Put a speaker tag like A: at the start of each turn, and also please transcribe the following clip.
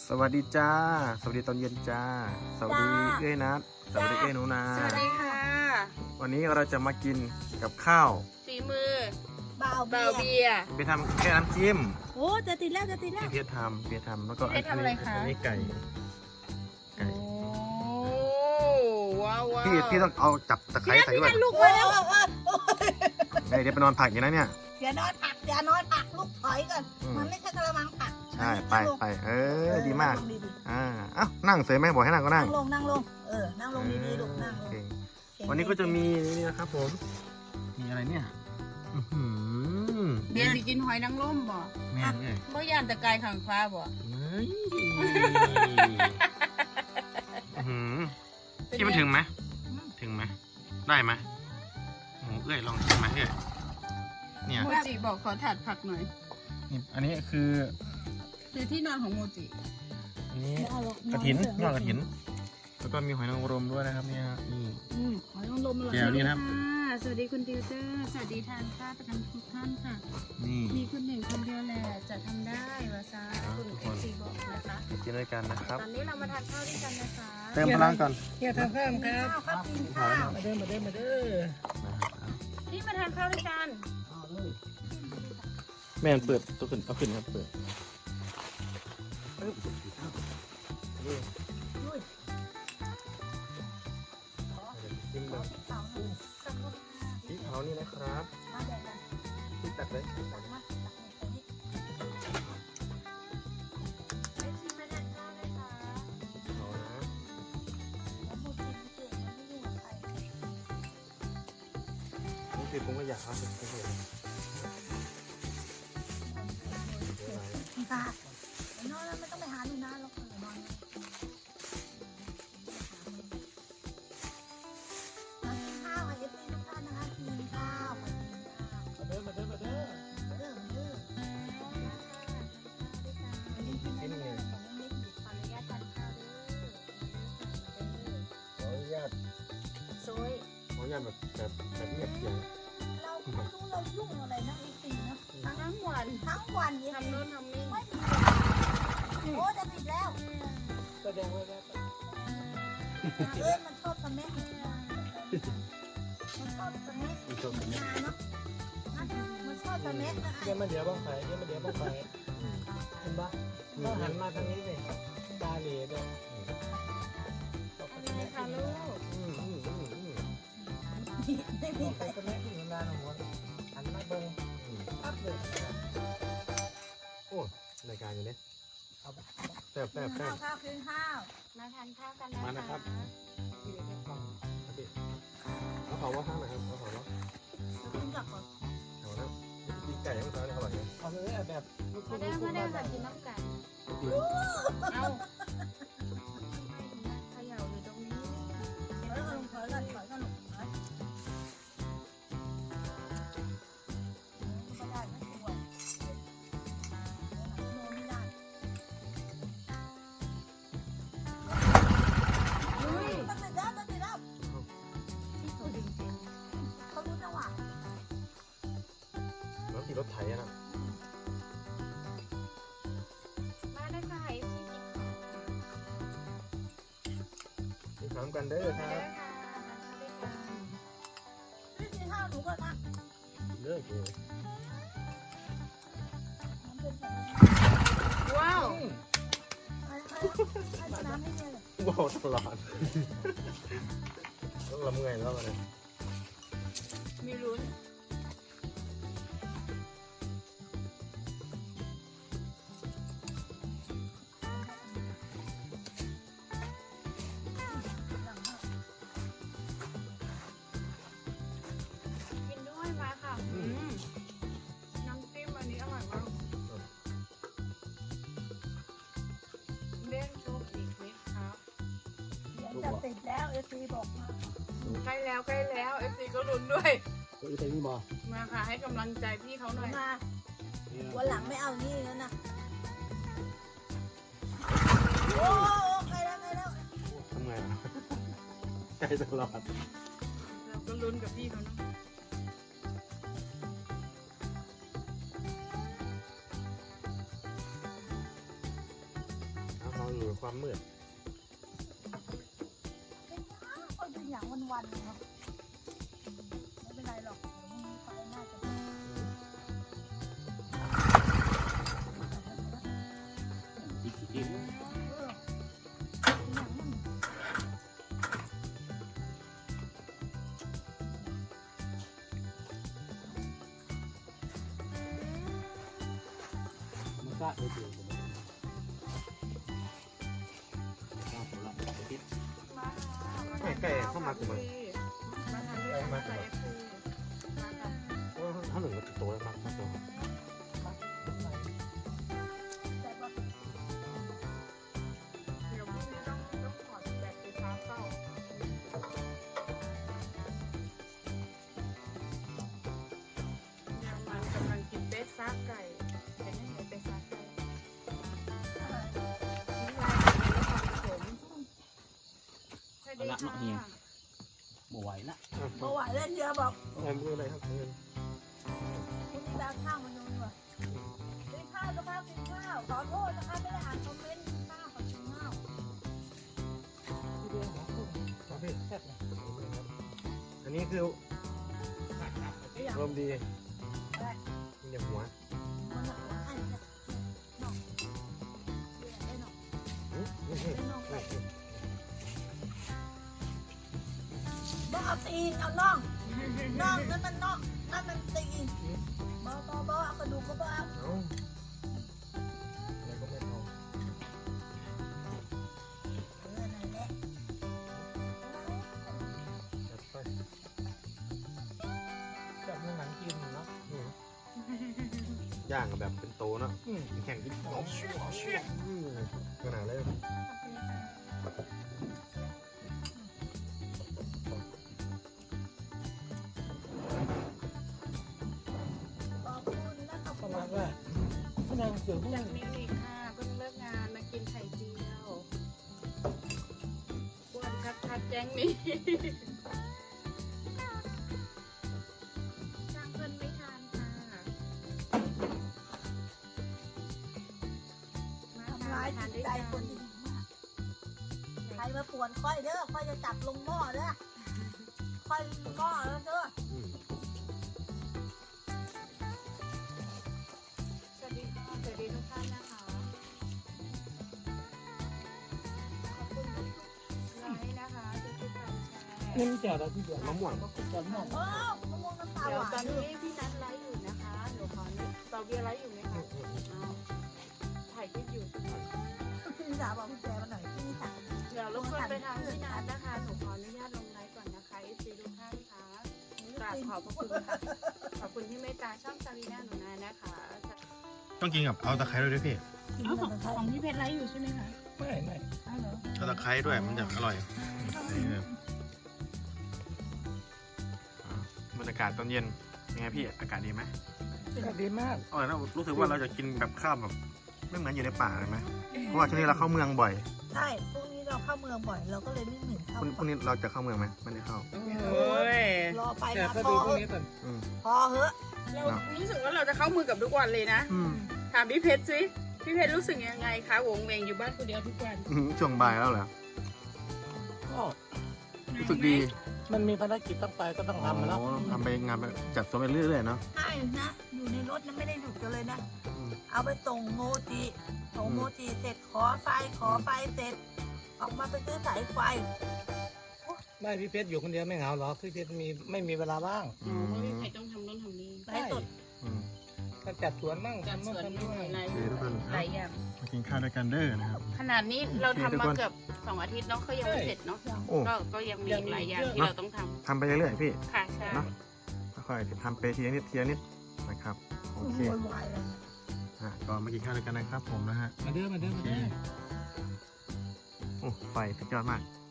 A: สวัสดีจ้าสวัสดีตอนเย็นจ้าสวัสดีเอ้ยนัทสวัสดีเอ้ยหนูนา
B: สวัสดีค่ะ
A: วันนี้เราจะมากินกับข้าว
B: ฝีมือ
C: บ่าว
B: เบาเบียร์
A: ไปทำแค่น้ำจิ้ม
C: โอ้จะติดแล้วจะติดแล้ว
A: เพียรทำแล้วก็
B: เพียรทำอะไรคะ
A: อันนี้ไก่
B: โอ้ว้าวว้าว
A: พี่ต้องเอาจับตะไคร้ใส่ด้วย
B: ลูก
C: โอ้
B: มาแล้ว
A: เดี๋ยวไปนอนผักอย่างนั้นเนี่ย
C: อย่านอนผักอย่านอนผักลูกถอยก่อน
A: อืม
C: มันไม่ใช่กระมังผัก
A: ใช่ไปดีมาก
C: นั่งลงดี
A: เอ้านั่งเสยไหมบอกให้นั่งก็
C: ๆ
A: นั่
C: นั่
A: ง
C: งลงนั่งลงนั่งลงดีๆลูกนั่งลง
A: โอเควันนี้ก็จะมีนี่นะครับผมมีอะไรเนี่ยอื้อหือ
B: เบียร์สิกินหอยนางรมบ่
A: แม่เนี่ย
B: บ่ย่านตะกายขังฟ้าบ่
A: เฮ้ยที่มันถึงไหมถึงไหมได้ไหมโอ้โหเอ้ยลองชิมไหมเอ้ยเนี่ย
B: โมจิบอกขอถาดผักหน่อย
A: นี่อันนี้คือ
B: คือที่นอนของโมจิ
A: อันนี้กระถินยอดกระถินแล้วก็มีหอยนางรมด้วยนะครับเนี่ยนี่
B: หอยนางรมอร่อย
A: แก้วนี่นะครับ
B: สวัสดีคุณติวเตอร์สวัสดีทานข้าวประจำทุกท่านค่ะ
A: นี่
B: มีคุณหนึ่งคนเดียวแหละจะทำได้วาซาคุณเอฟซีบอกนะคะ
A: มากินด้วยกันนะครับ
B: ตอนนี้เรามาทานข้าวด้วยกันนะคะ
A: เติมพลังก่อน
B: เฮียทานข้าวครับ
C: ข้าวกินข้าว
B: มาเด้อ
A: นะครับ
B: พี่มาทานข้าวด้วยกัน
A: แม่มันเปิดตัวขึ้นเอาขึ้นครับเปิดนี่จิ้มแบบพริกเผานี่นะครับพริกตัดเลยพริกตัดเลยเอานะนี่คือผมก็อยากเอาไปเลย
C: ค่ะนอนแล้วไม่ต้องไปหาหนูนะเรานอนข้าวเอฟซีทุกท่านนะคะกินข้าวมาเด้อ
A: กินไง
B: ขออนุญาตทานข้าวด้วย
A: ขออนุญาต
B: โซย
A: ขออนุญาตแบบเงียบเสียง
C: เราไม่รู้เรายุ่งอะไรนะเอฟซีนะ
B: ทั้งวัน
C: ทั้งวันเอฟ
B: ทำ
C: ซี
B: โน่นทำนี่
C: ไม่มีโอ้จะติดแล้ว
A: แสดงไว้แล้ว
C: มันชอบสแม็กมันชอบสแม็ก
A: มีโชคดี
C: งานเนาะมันชอบสแม็กนะ
D: เดี๋ยวมาเดี๋ยวบ้างไฟเดี๋ยวมาเดี๋ยวบ้างไฟเห็นปะก็หันมาทางนี้เลยตาเหล่ด้วย
B: อะไรคะลูก
C: ไม่มี
D: มี
C: ใค
D: ใค
C: ร
D: รก็ไม่ถึงนานหัวหันมาเบิ้งปั๊บเลย
A: โอ้รายการอยู่เนี่ย
D: เอาไป
A: แซ่บ
C: ข้าวกินข้าว
B: มาทานข้าวกันนะ
A: มานะครับ
D: ที่เดี๋ยวให้ฟัง
A: เอาเขาว่าข้างไหนครับเอาเขาว่า
C: กินกับก่อน
A: เอาแล้วกินไก่ยังไงอร่อยเลย
D: เอาเลยแบบลูก
B: มาได้มาได้ค่ะกินน้ำกันเอ้าเขย่าอยู่ตรงนี้
C: ถอยกันถอยกันถอยกันถอยก็ได้ไม่ควรโนไม่ได้
B: อุ้ย
C: ตั้งแต่แล้วตั้งแต่แล้ว
B: ที่เขาดึงจริง
C: เขารู้จังหวะ
A: แล้วขี่รถไถอะนะ
B: มาได้ค่ะ
A: กินข้าวกันเด้อค
B: มา
A: รับ
B: ได้ค่ะทานข้าวด้วยกัน
C: นี่กินข้าวหนูก่อนนะ
A: เลิกเลย
C: มันเป็นแบบ
B: ว้าว
C: ให้น้ำให้เลย
A: บอกตลอดต้องละเมื่อยแล้วมัน
B: มีลุ้น กินด้วยมาค่ะน้ำจิ้มอันนี้อร่อยมากเล่นชุบอีกนิดครับ
C: จะติดแล้วเอซีบอกมา
B: ใกล้แล้วเอฟซีก็ลุ้นด้วย
D: ก็อีกทีนี้มา
B: มาค่ะให้กำลังใจพี่เขาหน่อย
C: มาวันหลังไม่เอานี่แล้วนะโอ้ใครแล้วใครแล้ว
A: ทำไงล่ะใจตลอด
B: เราก็ลุ้นกับพี่เขาเนาะ
A: พออยู่ในความมืด
C: ก็อยู่อย่างวันๆเนาะไม่เป็นไรหรอกเดี๋ยวพรุ่งนี้ไฟน่าจะ
A: อีกทีนึง
C: อย่างนั้น
D: มันก็ได้เดียวกัน
A: ไก่เข้ามากูมัน
B: มาทานด้วยกันค่ะ FC มาค่ะ
A: ถ้าหนึ่งก็โตแล้วครับโต
C: แต่ว่า
B: เดี๋ยวพรุ่งนี้ต้องถอดแบบไฟฟ้าเข้าเนี่ยมันกำลังกินเป็ดซ่าไก่เป็นยังไงเป็ดซ่าไก่นี่ยายเป็นนครปฐมสวัสดีค่ะ
D: บ่ไหวละ
C: เมื่อวานเล่นเยอะบอก
A: เอามืออะไรครับเงิน
C: คุณนี่ดาวข้าวมาดูดีกว่ากินข้าวนะคะกินข้าวขอโทษนะคะไม่ได้อ่านคอมเมนต์กินข้าวขอกินข้าว
D: ที่เดียวของคุณครับพี่แซ่บเลย
A: อันนี้คือลมดีมีหัว
C: มันหัวอันนี้น้องได้น้องได้น้องไปบ่เอาตีนเอาน่องน่องนั่นมันน่องนั่นมันตีนบ่เอากระดูกก็บ่เอา
A: เอาอะไรก็ไม่เอา
C: นั่นแหละ
A: จัดไป
D: แบบในหนังจีนเนาะ
A: ย่างแบบเป็นโตเนาะ
D: อืม
A: แข่งกินขนาดเลย
C: ขอบคุณนะขอบ
D: ป
C: คุ
D: ระ
C: ณ
D: มาณว่าพี่นางเสือพวก
B: จา
D: นี้
B: กมิวนิกค่ะเพิ่งเลิกงานมากินไข่เจียวอ้วนคัดแจ้งนี้จ้างเพิ่นไม่ทานค่ะ
C: ทำร้ายจิตใจคนดีมากใครมาป่วนค่อยเด้อค่อยจะจับลงหม้อเด้อค่อยหม้อแล้วเด้อ
B: สวัสดีค่ะสวัสดีทุกท่านนะคะขอบคุณทุกไลค์นะคะทุกๆการแชร์
D: นี่มันแจ่วเราที่เดียว
A: มะม่วง
D: แจ่วม่วง
C: โอ้มะม่วงน้ำตา
B: เดี๋
C: ห
B: ยว
C: วาน
B: ตอน
C: ด้
B: นี้พี่นัทไลฟ์อยู่นะคะหนูขอเตาเบียร์ไลฟ์อยู่ไหมคะอ้าวถ่ายคลิปอยู่
C: พี่สาวบอกพี่แจมาหน่อยพี่สาว
B: เดี๋ยวรบกวนไปทางพี่นัทนะคะหนูขออนุญาตลงไลฟ์ก่อนนะคะ FC ทุกท่านค่ะกราบขอบพระคุณค่ะขอบคุณที่เมตตาช่องซารีน่าหนูนานะคะ
A: ต้องกินกับเอาตะไคร้ด้วยพี่
B: เอาของพี่เพชรไลฟ์อยู่ใช่ไหมคะ
D: ไม่ไม่
B: เอาเหรอ
A: เอาตะไคร้ด้วยมันจะอร่อยบรรยากาศตอนเย็นยังไงพี่อากาศดีไหม
D: ก็ดีมาก
A: อร่อยนะรู้สึกว่าเราจะกินแบบข้าวแบบไม่เหมือนอยู่ในป่าเลยไหมเพราะว่าช่วงนี้เราเข้าเมืองบ่อย
C: ใช่พรุ่งนี้เราเข้าเมืองบ่อยเราก็เลยไม่เหมือนเข้า
A: พรุ่งนี้เราจะเข้าเมืองไหมไม่ได้เข้า
B: โอ้ย
C: รอไป
D: แต่
C: นะ
D: ก็
C: พ
D: ดู
C: อ
D: พวกนี้ก่อน
C: พอเหอะ
B: เรารู้สึกว่าเราจะเข้ามือกับทุกวันเลยนะ ถามพี่เพชรสิพี่เพชรรู้สึกยังไงคะวงเวงอยู่บ้านคนเดียวทุกวัน
A: ช่วงบ่ายแล้วเหรอ
D: ก็
A: รู้สึกดี
D: มันมีภารกิจต้องไปก็ต้องทำมาแล้ว
A: ทำไปงานไปจัดตัวไปเรื่อยๆเนาะ
C: ใช่นะอยู่ในรถนั้นไม่ได้หยุดกันเลยนะเอาไปส่งโมจิส่งโมจิเสร็จขอไฟเสร็จออกมาไปซื้อสายไฟ
D: ไม่พี่เพชรอยู่คนเดียวไม่เหงาหรอกพี่เพชรไม่มีเวลาว่าง
B: อ๋อเพราะพี่เพชรต้องทำนู่นทำนี่
C: ไลฟ์สด
D: ก็จัดสวนมั่ง
B: จัด
D: ทำ
B: ส
D: นู่น
B: วน
D: ทำ
B: ด้
D: นี่
B: วยหลาย
A: ทุกคน
B: หลายอย่าง
A: มากินข้าวด้วยกันเด้อนะครับ
B: ขนาดนี้เราทำ
A: โอเคทุก
B: มา
A: คน
B: เกือบ2 อาทิตย์เนาะก็ยังไม่เสร็จเนาะ
A: โอ้
B: ก็ยังมีอีกหลายอย่างที่เราต้องท
A: ทำไปเรื่อยๆพี่
B: ำค่ะใช่
A: เนาะค่อยๆทำไปทีละนิดนะครับโอเค
C: โวยวายเลย
A: ก็มากินข้าวด้วยกันนะครับผมนะฮะ
D: มาเด้อ
A: โอ้ไฟสุดยอดมาก